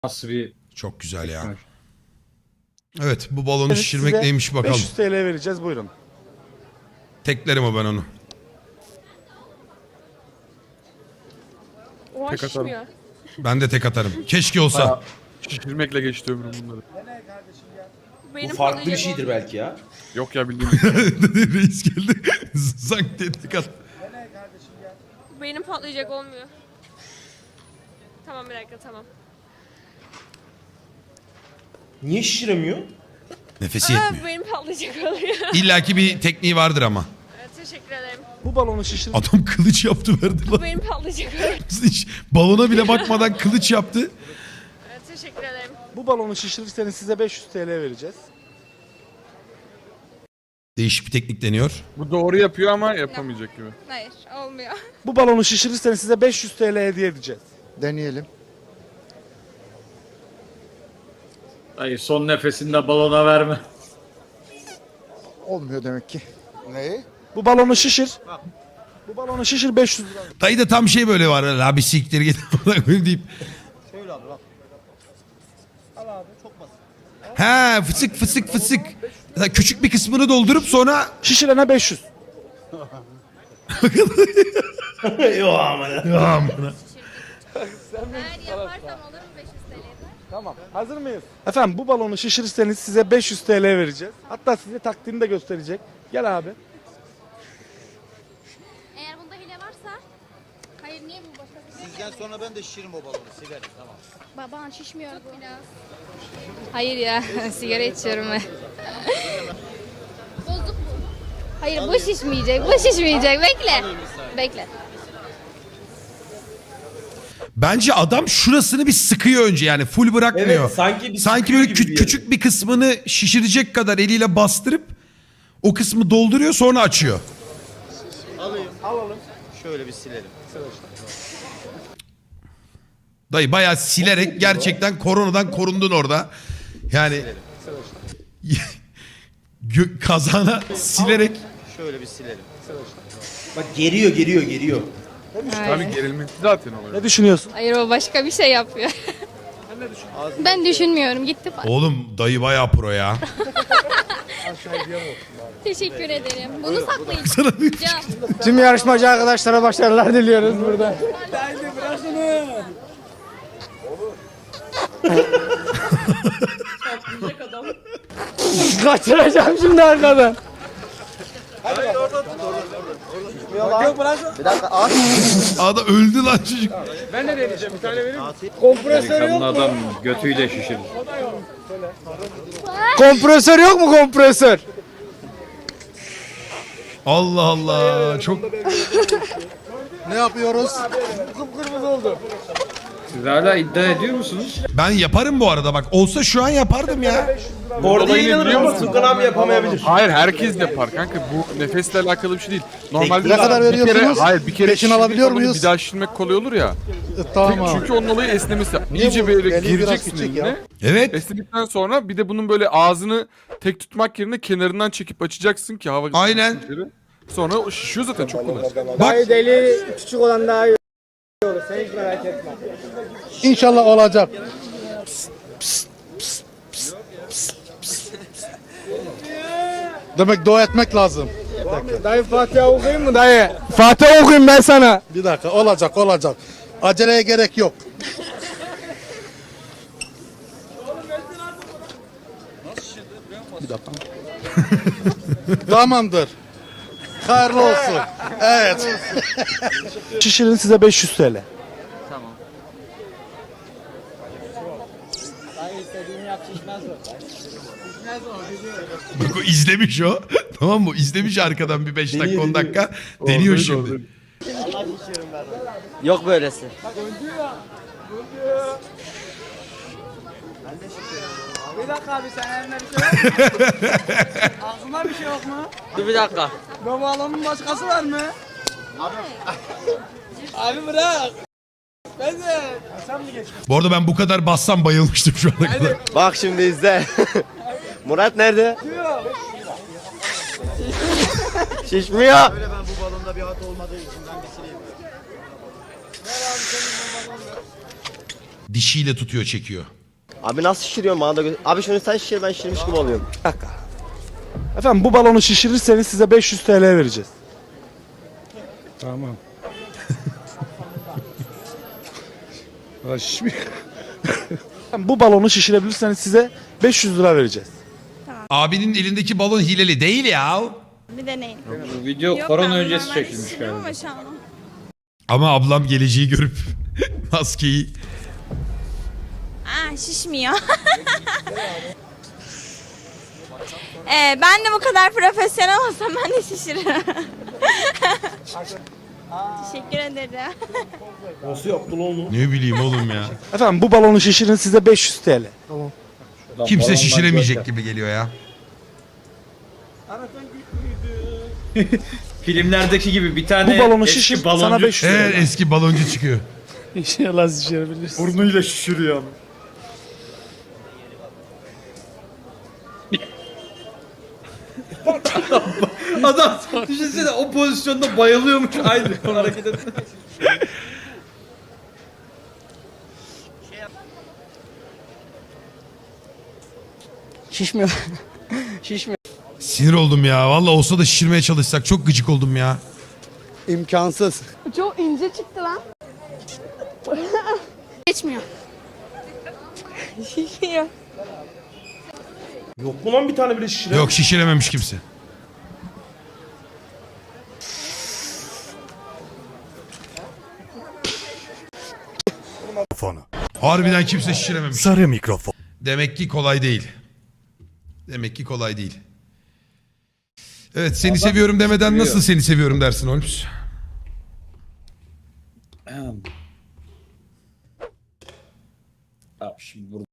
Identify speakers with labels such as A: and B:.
A: Nasıl bir
B: Çok güzel ya. Evet, bu balonu şişirmek
C: Size
B: neymiş bakalım.
C: 500 TL vereceğiz, buyurun.
B: Teklerim o ben onu.
D: Oha
E: Tek atarım.
D: şişmiyor.
B: Ben de tek atarım. Keşke olsa.
E: Şişirmekle geçti ömrüm bunları.
D: Benim
F: Bu farklı bir
D: patlayacak
F: şeydir belki ya.
E: Yok ya bildiğim.
B: Reis geldi. Zank diye tek at.
D: Benim patlayacak olmuyor. Tamam bir dakika tamam.
F: Niye şişiremiyor?
B: Nefesi yetmiyor.
D: Benim patlayacak oluyor.
B: İlla ki bir tekniği vardır ama.
D: Evet, teşekkür ederim.
C: Bu balonu şişir.
B: Adam kılıç yaptı verdi lan.
D: Benim patlayacak oluyor.
B: Hiç balona bile bakmadan kılıç yaptı.
D: Evet, teşekkür ederim.
C: Bu balonu şişirirseniz size 500 TL vereceğiz.
B: Değişik bir teknik deniyor.
E: Bu doğru yapıyor ama yapamayacak gibi.
D: Hayır olmuyor.
C: Bu balonu şişirirseniz size 500 TL hediye edeceğiz.
G: Deneyelim.
A: Hayır, son nefesinde balona verme.
G: Olmuyor demek ki. Neyi?
C: Bu balonu şişir. Bu balonu şişir 500 lira.
B: Dayı da tam şey böyle var. La bir siktir git. deyip.
C: Şöyle abi bak. Al abi çok basit.
B: He fısık fısık fısık. Mesela küçük bir kısmını doldurup sonra
C: Şişirene 500.
F: Yok ama.
B: ya amına.
D: Eğer yaparsam olur mu 500 TL'de?
C: Tamam. Hazır mıyız? Efendim bu balonu şişirirseniz size 500 TL vereceğiz. Hatta size taktiğini de gösterecek. Gel abi.
H: Eğer bunda hile varsa... Hayır niye bu başka bir
G: Sizden sonra ben de şişiririm o balonu. Silerim tamam.
H: Baban şişmiyor bu. Biraz.
I: Hayır ya, sigara içiyorum ben.
H: Bozuk bu.
I: Hayır, bu şişmeyecek, bu şişmeyecek. Bekle. Bekle.
B: Bence adam şurasını bir sıkıyor önce yani full bırakmıyor.
F: Evet, sanki bir
B: Sanki
F: sıkıyor
B: böyle
F: gibi bir yere.
B: küçük bir kısmını şişirecek kadar eliyle bastırıp o kısmı dolduruyor sonra açıyor.
C: Alalım.
G: Şöyle bir silelim.
B: Dayı bayağı silerek gerçekten koronadan korundun orada. Yani kazana silerek
G: Şöyle bir silelim.
F: Bak geriyor.
E: Tabii gerilmesi zaten oluyor.
C: Ne düşünüyorsun?
I: Hayır, o başka bir şey yapıyor.
H: Ben düşünmüyorum. Gitti.
B: oğlum dayı bayağı pro ya.
H: Teşekkür ederim. Bunu saklayın.
B: Sana bir-
G: Tüm yarışmacı arkadaşlara başarılar diliyoruz burada.
C: Kaçıracağım şimdi arkadan.
G: Bir dakika ağaç.
B: Ada öldü lan çocuk.
A: Delikanlı adam götüyle şişirir.
G: Kompresör yok mu kompresör?
B: Allah Allah çok
G: Ne yapıyoruz?
A: Siz hala iddia ediyor musunuz?
B: ben yaparım bu arada bak olsa şu an yapardım ya.
F: Orada
E: Olayı
F: inanır
E: biliyor
F: mısın?
E: musun?
F: Furkan abi yapamayabilir.
E: Hayır herkes yapar kanka. Bu nefesle alakalı bir şey değil. Normalde
G: Ne kadar
E: bir kere,
G: veriyorsunuz?
E: hayır bir kere
G: Peşin
E: şişirmek
G: alabiliyor
E: kolay,
G: muyuz?
E: Bir daha şişirmek kolay olur ya.
G: Tamam.
E: Çünkü onun olayı esnemesi.
G: Niye
E: İyice
G: bu?
E: böyle
G: Eli biraz
E: gireceksin
G: küçük ya.
E: eline.
B: Evet.
E: Esnedikten sonra bir de bunun böyle ağzını tek tutmak yerine kenarından çekip açacaksın ki hava
B: Aynen.
E: gitsin içeri. Sonra o şişiyor zaten çok kolay.
B: Bak
G: Deli küçük olan daha iyi olur. Sen hiç merak etme. İnşallah olacak. Demek dua etmek lazım.
C: Dayı Fatiha okuyayım mı dayı? Fatiha okuyayım ben sana.
G: Bir dakika olacak. Aceleye gerek yok. Bir dakika. Tamamdır. Hayırlı olsun. Evet.
C: Şişirin size 500 TL.
B: bak o izlemiş o. Tamam mı? İzlemiş arkadan bir 5 dakika 10 dakika. Deniyor şimdi.
J: Yok böylesi.
C: Bir dakika abi sen elinde bir şey yok mu? Ağzında bir şey yok mu?
J: Dur bir dakika.
C: Bu balonun başkası var mı? Abi bırak. Ben de. Sen mi geç?
B: Bu arada ben bu kadar bassam bayılmıştım şu ana kadar.
J: Bak şimdi izle. Murat nerede? Şişmiyor.
G: Böyle ben bu balonda bir hat olmadığı için ben bir sileyim.
B: Dişiyle tutuyor, çekiyor.
J: Abi nasıl şişiriyorsun bana da Abi şunu sen şişir ben şişirmiş gibi oluyorum.
C: Bir dakika. Efendim bu balonu şişirirseniz size 500 TL vereceğiz. Tamam. Ya şişmiyor. Efendim, bu balonu şişirebilirseniz size 500 lira vereceğiz.
B: Abinin elindeki balon hileli değil ya.
D: Bir deneyin.
A: Bu video korona öncesi çekilmiş galiba.
D: Ama şu an.
B: Ama ablam geleceği görüp maskeyi...
D: Şişmiyor. Ben de bu kadar profesyonel olsam ben de şişiririm. Teşekkür ederim.
F: Nasıl yaptın onu?
B: Ne bileyim oğlum ya.
C: Efendim bu balonu şişirin size 500 TL.
A: Ulan
B: Kimse
A: balonlar
B: şişiremeyecek
A: görkem.
B: gibi geliyor ya.
A: Filmlerdeki gibi bir tane
C: Bu balonu
A: eski
C: şişir
A: baloncu
C: sana 500
B: Evet,
C: TL.
B: eski baloncu çıkıyor.
C: İnşallah şişirebilirsin.
A: burnuyla şişiriyor ama. Adam düşünsene o pozisyonda bayılıyormuş aynı hareket etme.
G: Şişmiyor. Şişmiyor.
B: Sinir oldum ya. Vallahi olsa da şişirmeye çalışsak. Çok gıcık oldum ya.
G: İmkansız.
I: Çok ince çıktı lan.
H: Geçmiyor.
I: Şişiyor.
F: Yok mu lan bir tane bile şişiren?
B: Yok, şişirememiş kimse. Harbiden kimse şişirememiş.
K: Sarı mikrofon.
B: Demek ki kolay değil. Demek ki kolay değil. Evet, seni seviyorum demeden nasıl seni seviyorum dersin Holmes?
A: Abi şimdi